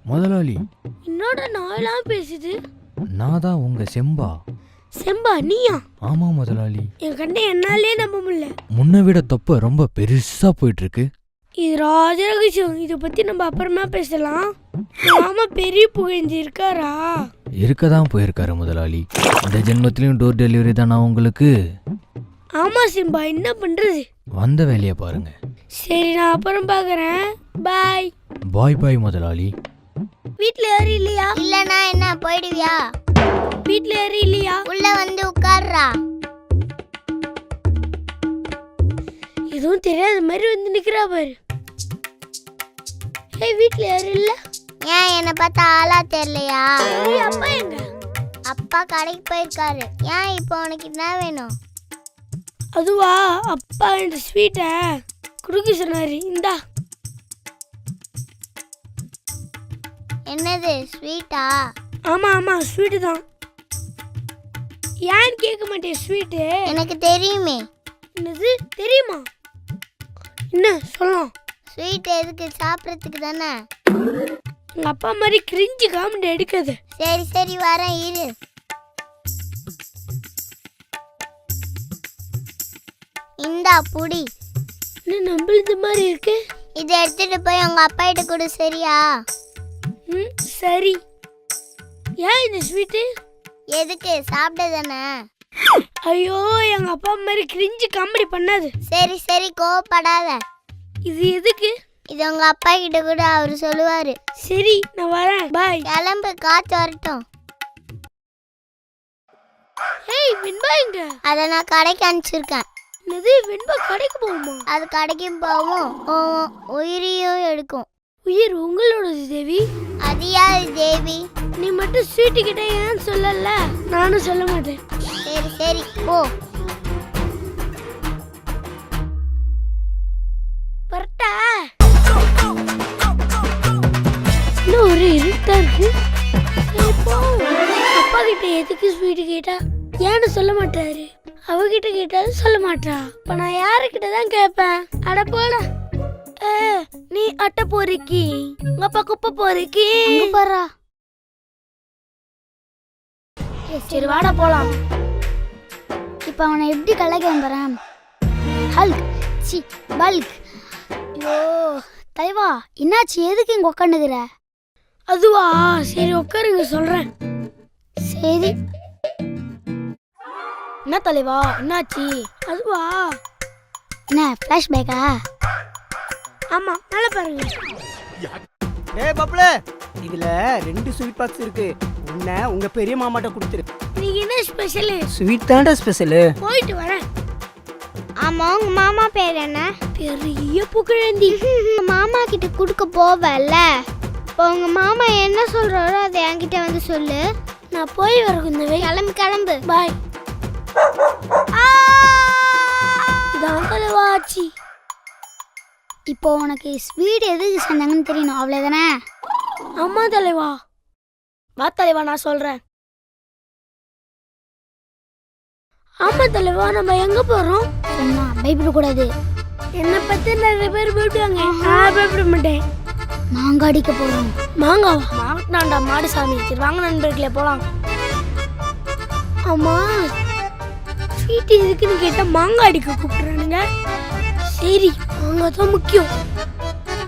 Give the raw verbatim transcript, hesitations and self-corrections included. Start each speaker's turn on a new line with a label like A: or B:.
A: முதலாளி,
B: என்னோட நாயெல்லாம் பேசுது.
A: நான் தான் உங்க செம்பா.
B: செம்பா நீயா?
A: ஆமா முதலாளி.
B: என் கண்ணை என்னாலே நம்ப முடியல.
A: முன்ன விட தொப்பை ரொம்ப பெருசா போயிட்டு இருக்கு.
B: இது ராஜ ரகசியம். இதை பத்தி நம்ம அப்புறமா பேசலாம். மாமா பெரிய புகழ்ந்து இருக்காரா?
A: இருக்கதான் போயிருக்காரு முதலாளி. இந்த ஜென்மத்திலயும் டோர் டெலிவரி தானா உங்களுக்கு?
B: ஆமா சிம்பா, என்ன பண்றது?
A: வந்த வேலையை பாருங்க.
B: சரி, நான் அப்புறம் பாக்குறேன். பாய்.
A: பாய் பாய் முதலாளி.
B: வீட்ல யாரும் இல்லையா?
C: இல்லனா என்ன போயிடுவியா?
B: வீட்ல யாரும் இல்லையா?
C: உள்ள வந்து உட்கார்றா.
B: எதுவும் தெரியாத மாதிரி வந்து நிக்கிறா பாரு. ஏய், வீட்ல யாரும் இல்ல?
C: ஏன் என்ன பார்த்தா ஆளா தெரியலையா?
B: அப்பா எங்க?
C: அப்பா கடைக்கு போயிருக்காரு. ஏன் இப்போ உனக்கு என்ன வேணும்?
B: அதுவா, அப்பா இந்த ஸ்வீட்டை குடுக்க சொன்னாரு. இந்தா.
C: என்னது ஸ்வீட்டா?
B: ஆமா ஆமா, ஸ்வீட்டு தான். ஏன்னு கேட்க மாட்டேன். ஸ்வீட்டு
C: எனக்கு தெரியுமே.
B: என்னது தெரியுமா? என்ன சொல்லலாம்?
C: ஸ்வீட் எதுக்கு? சாப்பிட்றதுக்கு தானே.
B: உங்க அப்பா மாதிரி கிரிஞ்சு காமெடி எடுக்காது.
C: சரி சரி வரேன் இரு. இந்தா புடி.
B: என்ன நம்மளுது மாதிரி இருக்கு?
C: இதை எடுத்துட்டு போய் உங்க அப்பா கிட்ட கொடு. சரியா?
B: ம் சரி. ஏன் இந்த ஸ்வீட்டு?
C: எதுக்கு? சாப்பிட தானே.
B: ஐயோ, எங்க அப்பா மாதிரி கிரிஞ்சு காமெடி பண்ணாது.
C: சரி சரி கோவப்படாத.
B: இது எதுக்கு?
C: இது உங்க அப்பா கிட்ட கூட அவரு சொல்லுவாரு.
B: சரி, நான் வரேன். பாய்.
C: கிளம்பு, காத்து வரட்டும்.
B: ஏய், வெண்பா எங்க?
C: அதை நான் கடைக்கு அனுப்பிச்சிருக்கேன்.
B: என்னது, வெண்பா கடைக்கு போகுமா?
C: அது கடைக்கும் போகும், உன் உயிரையும் எடுக்கும்.
B: உயிர் உங்களோடது தேவி.
C: அது யாரு தேவி?
B: நீ மட்டும் ஸ்வீட்டு கிட்ட ஏன்னு சொல்லல. நானும் சொல்ல மாட்டேன்.
C: சரி சரி போ.
B: பரட்டா. இன்னும் ஒரு இருட்டா இருக்கு. சரி போ. அப்பா கிட்ட எதுக்கு ஸ்வீட்டு கேட்டா ஏன்னு சொல்ல மாட்டாரு. அவகிட்ட கேட்டாலும் சொல்ல மாட்டா. இப்ப நான் யாருக்கிட்ட தான் கேட்பேன்? அட போட. நீ அட்டை போறீக்கி, உங்க அப்பா குப்பை போறீக்கி பாரா. சரி வாடா போலாம்.
C: இப்ப அவனை எப்படி கலைக்க வந்துறேன்? Hulk C bulk. ஐயோ தலைவா, என்னாச்சு? எதுக்கு இங்க உட்காந்துக்கிற?
B: அதுவா, சரி உட்காருங்க சொல்றேன்.
C: சரி.
B: என்ன தலைவா, என்னாச்சு? அதுவா,
C: என்ன ஃபிளாஷ்பேக்கா?
B: ஆமா, மேல பாருங்க.
D: ஏய் பப்ளே, இதுல ரெண்டு ஸ்வீட் பாக்ஸ் இருக்கு. உன்னை உங்க பெரிய மாமாட்ட கொடுத்துரு.
B: நீங்க என்ன ஸ்பெஷல்?
D: ஸ்வீட் தான்டா ஸ்பெஷல்.
B: போயிட்டு வரேன்.
C: ஆமா, உங்க மாமா பேர் என்ன?
B: பெரிய புகழேந்தி.
C: மாமா கிட்ட குடுக்க போவல. இப்போ உங்க மாமா என்ன சொல்றாரோ அதை என்கிட்ட வந்து சொல்லு.
B: நான் போய் வரகுந்தவே.
C: கிளம்பு கிளம்பு.
B: பாய். இதான் தலைவா ஆச்சு.
C: இப்போ உனக்கு ஸ்வீட் எதுக்கு செஞ்சாங்கன்னு தெரியணும், அவ்வளவுதானே?
B: ஆமா தலைவா. வா தலைவா, நான் சொல்றேன். ஆமா தலைவா, நம்ம எங்க போறோம்?
C: சொன்னா பயப்படக்கூடாது.
B: என்னை பத்தி நிறைய பேர் பயப்படுவாங்க. நான் பயப்பட மாட்டேன்.
C: மாங்காய் அடிக்க போறோம்.
B: மாங்காவா? மாங்கனாண்டா மாடு சாமி. சரி வாங்க நண்பர்களே போலாம். ஆமா, ஸ்வீட் எதுக்குன்னு கேட்டா மாங்காய் அடிக்க கூப்பிடுறானுங்க. சரி, மாங்காய் தான் முக்கியம்.